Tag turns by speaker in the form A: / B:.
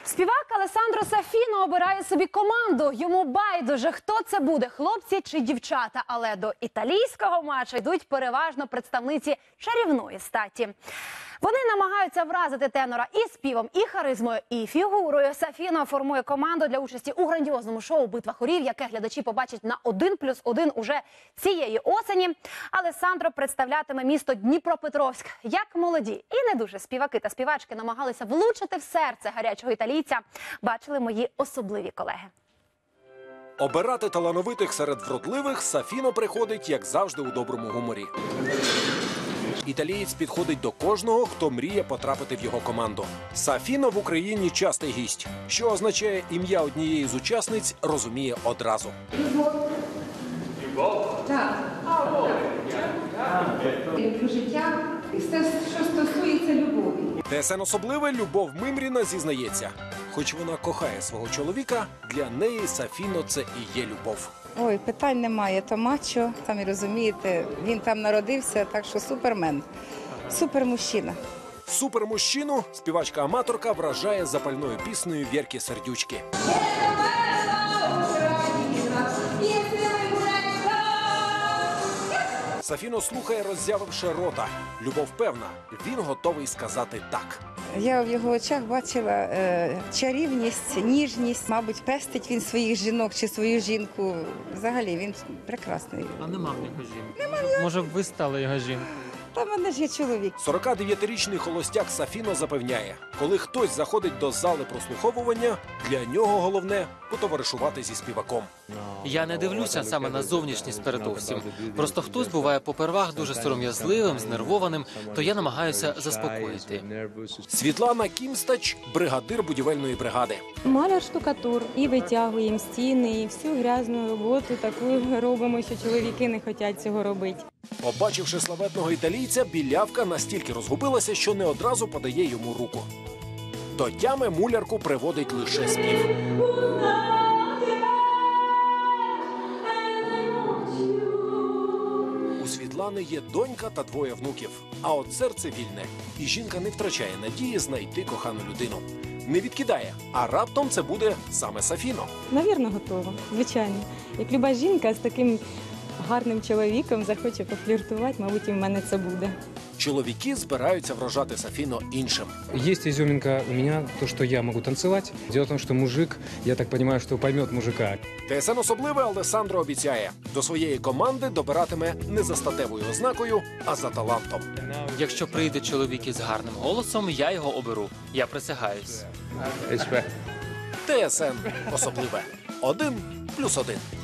A: Співак Алессандро Сафіно обирає собі команду. Йому байдуже, хто це буде – хлопці чи дівчата. Але до італійського матчу йдуть переважно представниці чарівної статі. Вони намагаються вразити тенора і співом, і харизмою, і фігурою. Сафіно формує команду для участі у грандіозному шоу «Битва хорів», яке глядачі побачать на 1+1 уже цієї осені. Алессандро представлятиме місто Дніпропетровськ. Як молоді і не дуже співаки та співачки намагалися влучити в серце гарячого італійця, бачили мої особливі колеги.
B: Обирати талановитих серед вродливих Сафіно приходить, як завжди, у доброму гуморі. Італієць підходить до кожного, хто мріє потрапити в його команду. Сафіно в Україні частий гість, що означає, ім'я однієї з учасниць розуміє одразу.
C: Любов? Так. Люблю життя і все, що стосується любові.
B: ТСН особливе Любов Мимріна зізнається. Хоч вона кохає свого чоловіка, для неї Сафіно – це і є любов.
D: Ой, питань немає, то мачо, самі розумієте, він там народився, так що супермен, супермужчина.
B: Супермужчину співачка-аматорка вражає запальною піснею Вєрки Сердючки. Сафіно слухає, роззявивши рота. Любов певна, він готовий сказати «так».
D: Я в його очах бачила чарівність, ніжність. Мабуть, пестить він своїх жінок чи свою жінку. Взагалі, він прекрасний.
E: А нема в нього жінки. Може б ви стали його жінкою?
D: Та в мене ж є чоловік.
B: 49-річний холостяк Сафіно запевняє, коли хтось заходить до зали прослуховування, для нього головне – потоваришувати зі співаком.
E: Я не дивлюся саме на зовнішність передовсім. Просто хтось буває попервах дуже сором'язливим, знервованим, то я намагаюся заспокоїти.
B: Світлана Кімстач – бригадир будівельної бригади.
F: Маляр-штукатур. І витягуємо стіни, і всю грязну роботу таку робимо, що чоловіки не хочуть цього робити.
B: Побачивши славетного італійця, білявка настільки розгубилася, що не одразу подає йому руку. До тями мулярку приводить лише спів. У Світлани є донька та двоє внуків. А от серце вільне. І жінка не втрачає надії знайти кохану людину. Не відкидає, а раптом це буде саме Сафіно.
F: Навірно, готова. Звичайно. Як люба жінка з таким гарним чоловіком захоче пофліртувати, мабуть, і в мене це буде.
B: Чоловіки збираються вражати Сафіно іншим.
G: Есть изюминка у меня, то, что я могу танцевать. Дело в том, что мужик, я так понимаю, что поймет мужика.
B: ТСН особливе Алессандро обіцяє, до своєї команди добиратиме не за статевою ознакою, а за талантом.
E: Якщо прийде чоловік із гарним голосом, я його оберу. Я присягаюсь.
B: ТСН особливе. 1+1.